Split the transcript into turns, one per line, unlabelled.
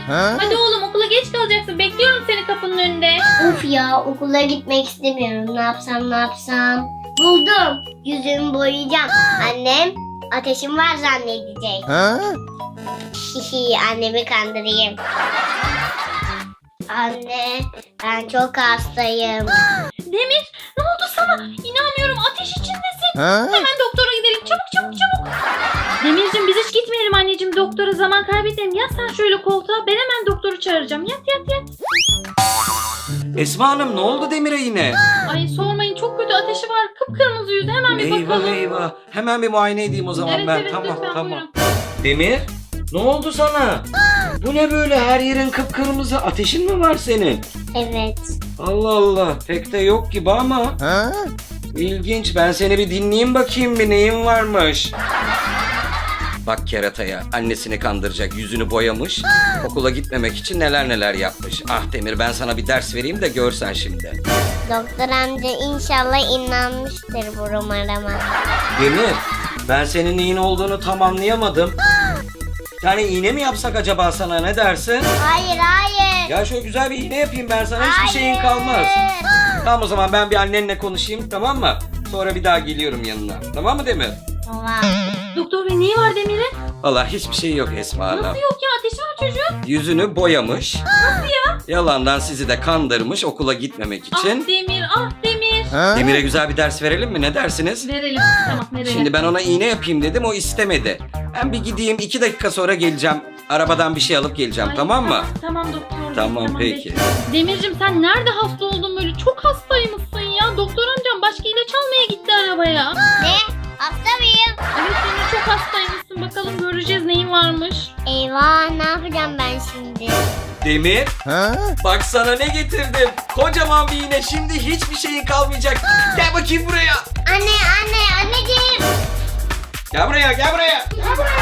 Hadi oğlum, okula geç kalacaksın. Bekliyorum seni kapının önünde.
Of ya, okula gitmek istemiyorum. Ne yapsam? Buldum. Yüzümü boyayacağım. Annem ateşim var zannedecek. Hihi, annemi kandırayım. Anne, ben çok hastayım.
Demir, ne oldu sana? İnanmıyorum, ateş içindesin. Hemen doktora gidelim. Çabuk. Demircim, biz hiç gitmeyelim anneciğim doktora, zaman kaybedelim. Yat sen şöyle koltuğa, ben hemen doktoru çağıracağım. Yat.
Esma Hanım, ne oldu Demir'e yine?
Ay sormayın, çok kötü ateşi var. Kıpkırmızı yüzü, hemen bir bakalım.
Eyvah. Hemen bir muayene edeyim o zaman ben.
Evet, lütfen,
Tamam.
buyurun.
Demir, ne oldu sana? Bu ne böyle, her yerin kıpkırmızı? Ateşin mi var senin?
Evet.
Allah Allah, pek de yok gibi ama. İlginç, ben seni bir dinleyeyim bakayım, bir neyin varmış. Bak kerataya, annesini kandıracak, yüzünü boyamış. Okula gitmemek için neler yapmış. Ah Demir, ben sana bir ders vereyim de görsen şimdi.
Doktor amca inşallah inanmıştır bu numarama.
Demir, ben senin neyin olduğunu tam anlayamadım. Yani iğne mi yapsak acaba sana, ne dersin?
Hayır.
Ya şöyle güzel bir iğne yapayım ben sana, hiçbir şeyin kalmaz. Tamam o zaman ben bir annenle konuşayım, tamam mı? Sonra bir daha geliyorum yanına. Tamam mı Demir?
Tamam.
Doktor bey, neyi var Demir'in?
Vallahi hiçbir şey yok Esma Hanım.
Nasıl yok ya, ateşi var çocuğun.
Yüzünü boyamış. Nasıl ya? Yalandan sizi de kandırmış okula gitmemek için.
Ah Demir.
Demir'e güzel bir ders verelim mi? Ne dersiniz?
Verelim, tamam verelim.
Şimdi ben ona iğne yapayım dedim, o istemedi. Ben bir gideyim, 2 dakika sonra geleceğim. Arabadan bir şey alıp geleceğim,
Ay,
tamam mı?
Tamam doktor bey,
Tamam, peki.
bekliyorum. Demircim, sen nerede hasta oldun böyle? Çok hastaymışsın ya. Doktor amcam başka ilaç almaya gitti arabaya.
Ne? Hasta mıyım?
Evet Demir, çok hastaymışsın. Bakalım göreceğiz neyin varmış.
Eyvah, ne yapacağım ben şimdi?
Demir, bak sana ne getirdim. Kocaman bir iğne, şimdi hiçbir şeyin kalmayacak. Gel bakayım buraya.
Anneciğim.
Gel buraya.